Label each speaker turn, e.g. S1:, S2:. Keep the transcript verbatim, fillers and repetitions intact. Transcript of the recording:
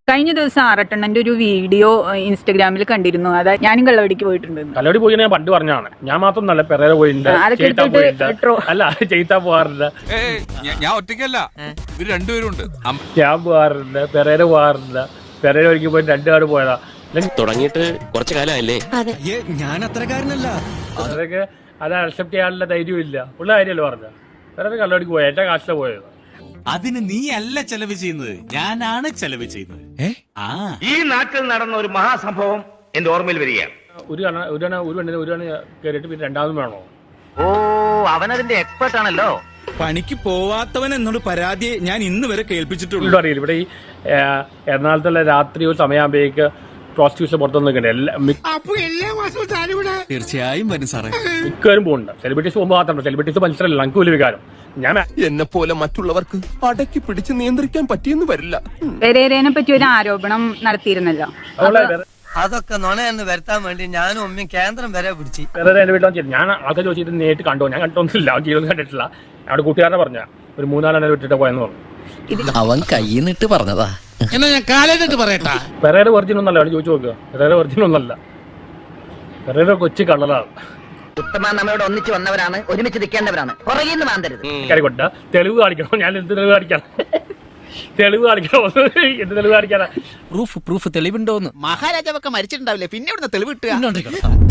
S1: കഴിഞ്ഞ ദിവസം ആറട്ടെണ്ണന്റെ ഒരു വീഡിയോ ഇൻസ്റ്റാഗ്രാമിൽ കണ്ടിരുന്നു. അതായത് ഞാനും കള്ളവടിക്ക് പോയിട്ടുണ്ട്.
S2: കള്ളവടി പോയി ഞാൻ പണ്ട് പറഞ്ഞാണ്. ഞാൻ മാത്രം നല്ല പെരേര പോയിട്ടുണ്ട്, അല്ല ചെയ്താ പോവാറില്ല.
S3: ഞാൻ ഒറ്റയ്ക്കല്ല, ഇവര് രണ്ടുപേരുണ്ട്.
S2: ഞാൻ പോവാറില്ല, പെരേര പോവാറില്ല. പെരേര ഒരിക്കൽ പോയി രണ്ടുപാട് പോയതാ.
S4: തുടങ്ങിയിട്ട് കുറച്ചു കാലമായില്ലേ?
S5: ഞാൻ അത്രക്കാരനല്ല.
S2: അതൊക്കെ അത് അക്സെപ്റ്റ് ചെയ്യാനുള്ള ധൈര്യവും ഇല്ല. ഉള്ള കാര്യമല്ലോ പറഞ്ഞ പെരേര കള്ളവടിക്ക് പോയത് എന്റെ കാശിലെ പോയത്.
S6: അതിന് നീ അല്ല ചെലവ് ചെയ്യുന്നത്, ഞാനാണ് ചെലവ് ചെയ്യുന്നത്. ആ
S7: ഈ നാട്ടിൽ നടന്ന ഒരു മഹാസംഭവം എന്റെ ഓർമ്മയിൽ വരികയാണ്.
S2: ഒരു കണ ഒരു കണ ഒരു കണ്ണിന് ഒരു കണ്ണ് കയറിയിട്ട് പിന്നെ രണ്ടാമതും വേണോ?
S7: ഓ, അവനതിന്റെ എക്സ്പെർട്ട് ആണല്ലോ.
S5: പണിക്ക് പോവാത്തവൻ എന്നോട് പരാതി ഞാൻ ഇന്ന് വരെ കേൾപ്പിച്ചിട്ടുള്ളൂ.
S2: അറിയില്ല, ഇവിടെ ഈ എറണാകുളത്തുള്ള രാത്രി ഒരു സമയമാകുമ്പോഴേക്ക് പ്രോസ്റ്റിറ്റ്യൂഷൻ പുറത്തു നിൽക്കണ്ടേ.
S5: തീർച്ചയായും വരും സാറേ.
S2: മിക്കവരും പോകുന്നുണ്ട്. സെലിബ്രിറ്റീസ് പോകുമ്പോൾ മാത്രമല്ല, സെലിബ്രിറ്റീസ് മനുഷ്യരല്ല, നമുക്ക് വലിയ വികാരം. ഞാൻ
S4: എന്നെ പോലെ മറ്റുള്ളവർക്ക് അടക്കി പിടിച്ച് നിയന്ത്രിക്കാൻ പറ്റിയെന്ന് വരില്ല.
S1: പെരേരനെ പറ്റി ഒരു ആരോപണം നടത്തിയിരുന്നല്ലോ.
S8: അതൊക്കെ നുണയെന്ന് വരുത്താൻ വേണ്ടി ഞാനും ഉമ്മയും കേന്ദ്രം വരെ പിടിച്ചു.
S2: പെരേര എന്റെ വീട്ടിൽ വന്നിട്ട് ഞാൻ ആൾക്കാർ ചോദിച്ചിട്ട് നേരിട്ട് കണ്ടോ? ഞാൻ കണ്ടൊന്നുമില്ല, ജീവിതം കണ്ടിട്ടില്ല. അവിടെ കൂട്ടുകാരനെ പറഞ്ഞ ഒരു മൂന്നാലെണ്ണം വിട്ടിട്ട് പോയെന്ന് പറഞ്ഞു.
S9: അവൻ കൈന്നിട്ട് പറഞ്ഞതാ.
S6: എന്നാ ഞാൻ കാലേന്നിട്ട് പറയട്ടാ.
S2: പെരേര വെർജിൻ ഒന്നല്ല, അവിടെ ചോദിച്ചു നോക്കുക. പെരേര വെർജിൻ ഒന്നല്ല, പെരേര കൊച്ചു കള്ളറാണ്.
S8: ഉത്തമ നമ്മളോട് ഒന്നിച്ച് വന്നവരാണ്, ഒരുമിച്ച് നിൽക്കേണ്ടവരാണ്. പുറകിൽ നിന്ന് മാന്തരുത്.
S2: കരികൊട്ട തെളിവ് കാണിക്കണം. ഞാൻ എന്ത് തെളിവ് കാണിക്കണം? തെളിവ് കാണിക്കണോ? എന്ത് തെളിവ് കാണിക്കാനാ?
S9: Proof proof തെളിവുണ്ടോന്ന്?
S6: മഹാരാജാവൊക്കെ മരിച്ചിട്ടുണ്ടാവില്ലേ, പിന്നെ ഇവിടുന്ന് തെളിവ് കിട്ടുക.